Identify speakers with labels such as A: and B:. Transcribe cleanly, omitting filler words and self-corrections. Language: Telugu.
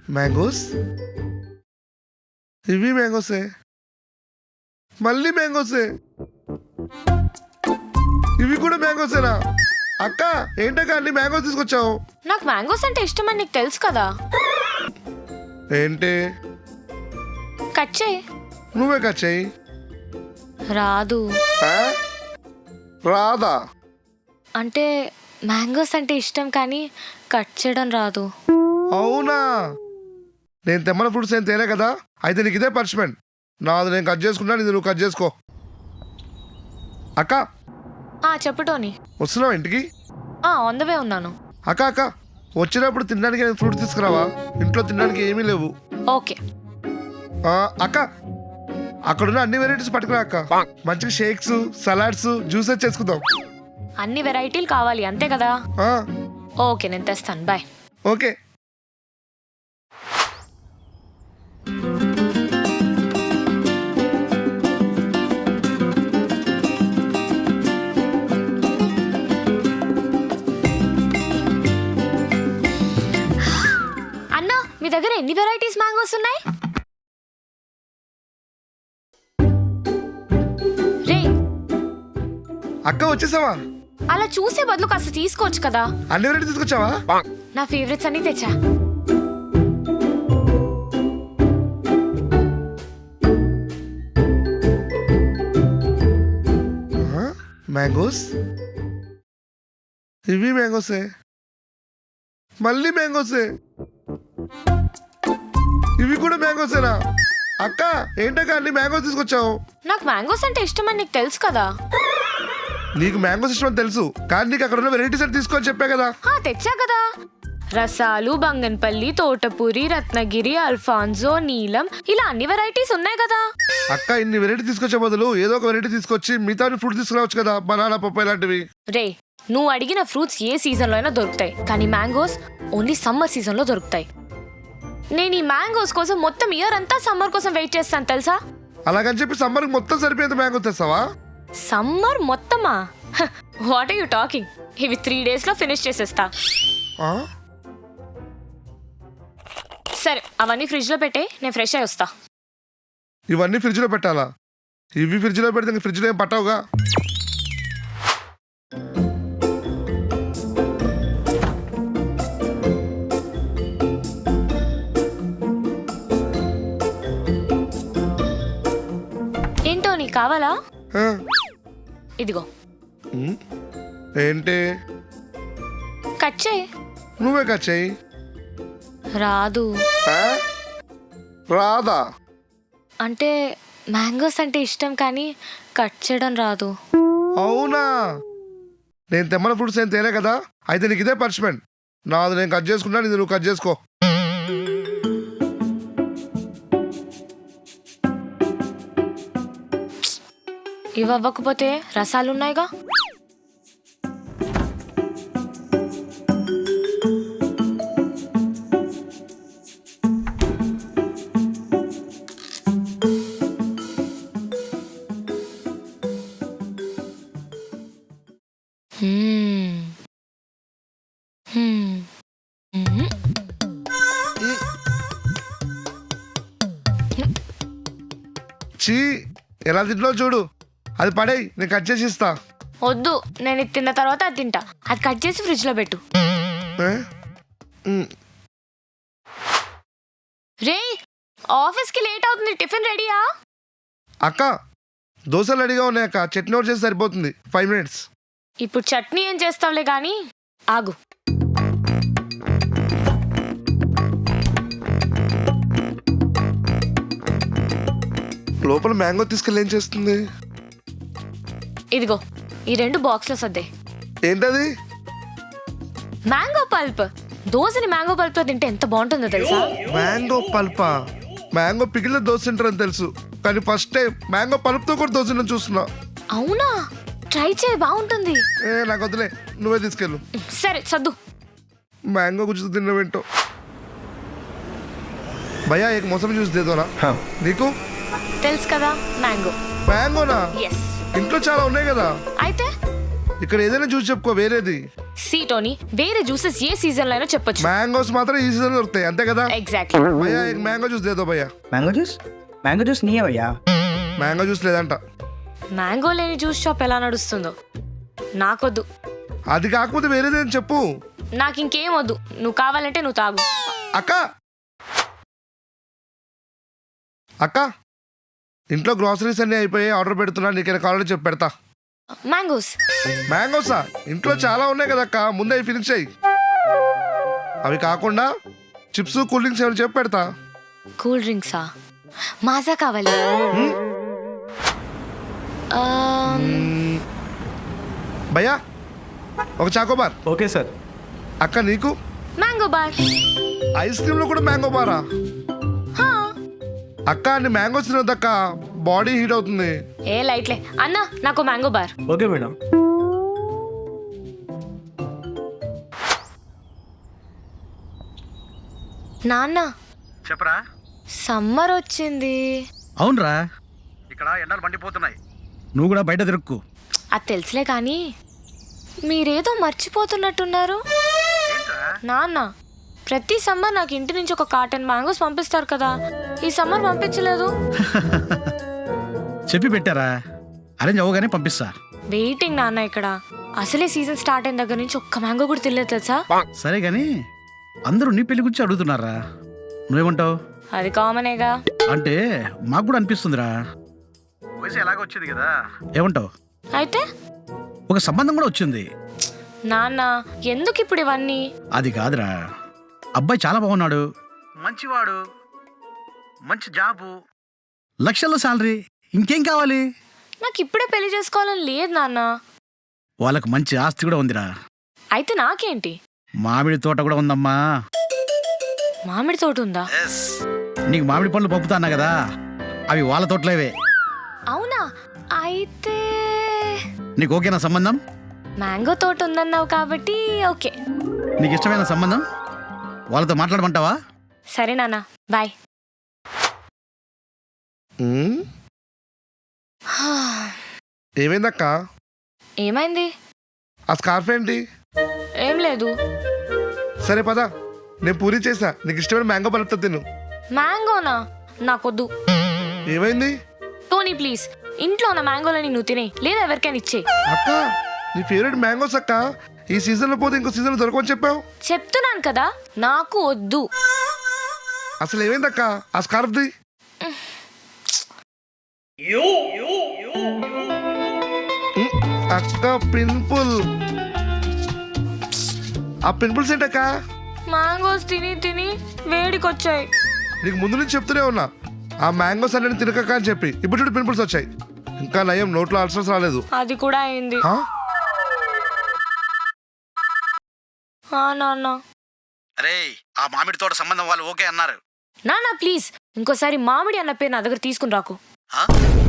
A: మ్యాంగోస్, ఇవి మ్యాంగోసే, మళ్ళీ మ్యాంగోసే, ఇవి కూడా మ్యాంగోసేనా? అక్క ఏంటక్క అన్ని మ్యాంగోస్ తీసుకొచ్చావు?
B: నాకు మ్యాంగోస్ అంటే ఇష్టమని నీకు తెలుసు కదా.
A: ఏంటి?
B: కట్ చేయి.
A: నువ్వే కట్ చేయి.
B: రాదు.
A: రాదా?
B: అంటే మ్యాంగోస్ అంటే ఇష్టం కానీ కట్ చేయడం రాదు.
A: అవునా? నేను తెమ్మల ఫ్రూట్స్ ఏం తేలే కదా, అయితే నీకు ఇదే పనిష్మెంట్. నాది నేను కట్ చేసుకుంటా, ఇది నువ్వు కట్ చేసుకో. అక్క
B: చెప్పు టోనీ.
A: వస్తున్నావా ఇంటికి?
B: ఆన్ ద వే ఉన్నాను.
A: అక్క అక్క వచ్చినప్పుడు తినడానికి ఫ్రూట్ తీసుకురావా, ఇంట్లో తినడానికి ఏమీ లేవు.
B: ఓకే.
A: అక్క అక్కడున్న అన్ని వెరైటీస్ పట్టుకురా అక్క, మంచిగా షేక్స్, సలాడ్స్, జ్యూసెస్ చేసుకుందాం.
B: అన్ని వెరైటీలు కావాలి అంతే కదా? ఓకే నేను తెస్తాను. బాయ్.
A: ఓకే.
B: అన్నా మీ దగ్గర ఎన్ని వెరైటీస్ మ్యాంగోస్ ఉన్నాయి? రే
A: అక్క వచ్చేసావా?
B: అలా చూసే బదులు కాస్త తీసుకోవచ్చు కదా.
A: అన్ని వెరైటీ తీసుకొచ్చావా?
B: నా ఫేవరెట్స్ అన్ని తెచ్చా.
A: మ్యాంగోస్, ఇవి మ్యాంగోసే, మళ్ళీ మ్యాంగోసే, ఇవి కూడా మ్యాంగోసేనా? అక్క ఏంటక్క అన్ని మ్యాంగోస్ తీసుకొచ్చావు?
B: నాకు మ్యాంగోస్ అంటే ఇష్టమని నీకు తెలుసు కదా.
A: నీకు మ్యాంగోస్ ఇష్టం అని తెలుసు, కానీ నీకు అక్కడ ఉన్న వెరైటీస్ అని తీసుకొని చెప్పా కదా.
B: తెచ్చా కదా. రసాలు, బంగన్పల్లి, తోటపూరి, రత్నగిరి, అల్ఫాన్సో, నీలం, ఇలా అన్ని వెరైటీస్ ఉన్నాయి కదా.
A: అక్క ఇన్ని వెరైటీ తీసుకొచ్చే బదులు ఏదో ఒక వెరైటీ తీసుకొచ్చి మిగతా ఫ్రూట్ తీసుకురావచ్చు కదా, బనానా, పప్పాయి లాంటివి.
B: రే నువ్వు అడిగిన ఫ్రూట్స్ ఏ సీజన్ లో అయినా దొరుకుతాయి, కానీ మ్యాంగోస్ ఓన్లీ సమ్మర్ సీజన్ లో దొరుకుతాయి. నేను ఈ మ్యాంగోస్ కోసం మొత్తం ఇయర్ అంతా సమ్మర్ కోసం వెయిట్ చేస్తాను తెలుసా.
A: అలాగని చెప్పి సమ్మర్ మొత్తం సరిపోయేంత మ్యాంగో తెస్తావా?
B: సమ్మర్ మొత్తమా? What are you talking? ఇవి 3 days లో ఫినిష్ చేసేస్తా. సరే అవన్నీ ఫ్రిడ్జ్ లో పెట్టే, నేను ఫ్రెష్ అయి వస్తా.
A: ఇవన్నీ ఫ్రిడ్జ్ లో పెట్టాలా? ఇవి ఫ్రిడ్జ్ లో పెడితే ఫ్రిడ్జ్ లో ఏం పట్టావుగా.
B: ఏంటో నీకు కావాలా? ఇదిగో.
A: ఏంటి?
B: కట్ చేయి.
A: నువ్వే కట్ చేయి.
B: రాదు.
A: రాదా?
B: అంటే మ్యాంగోస్ అంటే ఇష్టం కానీ కట్ చేయడం రాదు.
A: అవునా? నేను తెమ్మల ఫ్రూట్స్ ఏం తేలే కదా, అయితే నీకు ఇదే పనిష్మెంట్. నాది నేను కట్ చేసుకుంటా, ఇది నువ్వు కట్ చేసుకో.
B: ఇవి అవ్వకపోతే రసాలున్నాయిగా.
A: చీ ఎలా తింట్లో చూడు, అది పడేయి, నేను కట్ చేసి ఇస్తా.
B: వద్దు, నేను ఇది తిన్న తర్వాత అది తింటా. అది కట్ చేసి ఫ్రిడ్జ్ లో పెట్టు. రే ఆఫీస్కి లేట్ అవుతుంది, టిఫిన్ రెడీయా?
A: అక్క దోశలు రెడీగా ఉన్నాయి అక్క, చట్నీ ఒకటి చేసి సరిపోతుంది. 5 minutes.
B: ఇప్పుడు చట్నీ ఏం చేస్తావులే గానీ ఆగు.
A: లోపల మ్యాంగో తీసుకెళ్ళి ఏం చేస్తుంది?
B: ఇదిగో ఈ 2 బాక్స్లో సర్దే.
A: ఏంటది?
B: Mango pulp. దోశని మ్యాంగో పల్ప్ తో తింటే ఎంత బాగుంటుందో తెలుసా?
A: మ్యాంగో పల్పా? మ్యాంగో పికిల్ దోశ తింటారని తెలుసు, కానీ ఫస్ట్ టైం మ్యాంగో పల్ప్ తో కూడా దోశ తినడం చూస్తున్నా.
B: అవునా? ట్రై చేయి, బాగుంటుంది.
A: నాకు వద్దులే, నువ్వే తీసుకెళ్ళు.
B: సరే సర్దు.
A: मैंगो कुछ दिन विंटो भैया एक मौसमी जूस दे दो ना.
C: हाँ.
A: నీకు
B: తెలుసు కదా మ్యాంగో.
A: మ్యాంగోనా?
B: yes
A: ఇంట్లో చాలా ఉన్నాయి కదా.
B: అయితే
A: ఇక్కడ ఏదైనా జ్యూస్ చెప్పుకో వేరేది.
B: సీ టోనీ, వేరే జ్యూసెస్ ఏ సీజన్ లో అయినా చెప్పొచ్చు.
A: మ్యాంగోస్ మాత్రం ఈ సీజన్ దొరుకుతాయి అంతే కదా?
B: ఎగ్జాక్ట్లీ.
A: భయ్యా మ్యాంగో జ్యూస్ దేదో భయ్యా.
C: మ్యాంగో జ్యూస్ నీయే భయ్యా.
A: మ్యాంగో జ్యూస్ లేదంట.
B: మ్యాంగో లేని జ్యూస్ షాప్ ఎలా నడుస్తుందో నాకొద్దు.
A: అది కాకపోతే వేరేదేం చెప్పు.
B: నాకు ఇంకేం వద్దు, నువ్వు కావాలంటే నువ్వు తాగు.
A: అక్క అక్క ఇంట్లో గ్రాసరీస్ అన్నీ అయిపోయి ఆర్డర్ పెడుతున్నా, నీకేనా కావాలని చెప్పి పెడతా.
B: మ్యాంగోస్.
A: మ్యాంగోసా? ఇంట్లో చాలా ఉన్నాయి కదా అక్క, ముందే అవి ఫినిష్ అయ్యి. అవి కాకుండా చిప్స్ కూల్ డ్రింక్స్ ఏమైనా చెప్పి పెడతా.
B: కూల్ డ్రింక్సా? మాజా కావాలి.
A: భయ్యా ఒక చాకోబార్.
C: Okay sir.
A: అక్క నీకు?
B: Mango bar.
A: ఐస్ క్రీమ్ లో కూడా మ్యాంగో బారా? అక్క అన్ని మ్యాంగోస్ తినొద్దక్క, బాడీ హీట్ అవుతుంది.
B: ఏ లైట్లే అన్న, నాకు మ్యాంగో బార్.
C: Okay madam.
B: నాన్న
D: చెప్పరా.
B: సమ్మర్ వచ్చింది.
D: అవునరా, ఇక్కడ ఎండలు మండిపోతున్నాయి, నువ్వు కూడా బయట తిరుక్కు.
B: అది తెలుసులే కానీ మీరేదో మర్చిపోతున్నట్టున్నారు. నాన్న ప్రతి సమ్మర్ నాకు ఇంటి నుంచి ఒక కార్టన్ మ్యాంగోస్ పంపిస్తారు కదా, ఈ సమ్మర్ పంపించలేదు.
D: చెప్పి పెట్టారా, అరేంజ్ అవ్వగానే పంపిస్తా.
B: వెయిటింగ్ నాన్న ఇక్కడ. అసలే సీజన్ స్టార్ట్ అయిన దగ్గర నుంచి ఒక్క మ్యాంగో కూడా తినలేదు తెలుసా.
D: సరే గాని అందరూ నీ పెళ్లి గురించి అడుగుతున్నారా, నువ్వేమంటావు?
B: అది కామనేగా.
D: అంటే మాకు కూడా అనిపిస్తుందిరా, వయసు ఎలాగ వచ్చింది కదా, ఏమంటావు?
B: అయితే
D: ఒక సంబంధం కూడా వచ్చింది.
B: నాన్న ఎందుకు ఇప్పుడు ఇవన్నీ?
D: అది కాదురా, అబ్బాయి చాలా బాగున్నాడు, మంచివాడు, మంచి జాబు, లక్షల్లో శాలరీ, ఇంకేం కావాలి?
B: నాకు ఇప్పుడే పెళ్లి చేసుకోవాలని లేదు నాన్న.
D: వాళ్ళకు మంచి ఆస్తి కూడా ఉందిరా.
B: అయితే నాకేంటి?
D: మామిడి తోట కూడా ఉందమ్మా.
B: మామిడి తోట ఉందా?
D: నీకు మామిడి పళ్ళు పంపుతాన్నా కదా, అవి వాళ్ళ తోటలేవే.
B: అవునా? అయితే
D: నీకు ఓకేనా సంబంధం?
B: మ్యాంగో తోట ఉందన్నావు కాబట్టి ఓకే.
D: నీకు ఇష్టమైన సంబంధం, వాళ్ళతో మాట్లాడమంటావా?
B: సరే నాన్న, బాయ్.
A: ఏమైందక్క?
B: ఏమైంది?
A: ఆ స్కార్ఫ్ ఏంటి?
B: ఏం లేదు.
A: సరే పదా, నేను పూరి చేసా, నీకు ఇష్టమైన మ్యాంగో పలుపుతా తిను.
B: మ్యాంగోనా? నాకొద్దు.
A: ఏమైంది?
B: టోనీ ప్లీజ్, ఇంట్లో ఉన్న మ్యాంగోలని నువ్వు తినే, లేదా ఎవరికైనా ఇచ్చే.
A: అక్క నీ ఫేవరెట్ మ్యాంగోస్ అక్క, ఈ సీజన్ లో పోతే ఇంకో సీజన్ దొరకమని చెప్పావు.
B: చెప్తున్నాను కదా, నాకు వద్దు.
A: అసలు ఏమైందక్క ఆ స్కార్ఫ్ ది? అక్క పింపుల్. ఆ పింపుల్స్ ఏంటక్క?
B: మ్యాంగోస్ తిని తిని వేడికొచ్చాయి.
A: నీకు ముందు నుంచి చెప్తూనే ఉన్నా ఆ మ్యాంగోస్ అన్ని తినకక్క అని చెప్పి. ఇప్పుడు చూడు పింపుల్స్ వచ్చాయి. ఇంకా నయం నోట్లో అల్సర్స్ రాలేదు.
B: అది కూడా అయింది.
A: ఆ?
B: నాన్న.
D: అరే, ఆ మామిడి తోట సంబంధం వాళ్ళు ఓకే అన్నారు.
B: నాన్న ప్లీజ్, ఇంకోసారి మామిడి అన్న పేరు నా దగ్గర తీసుకుని రాకు.
D: ఆ?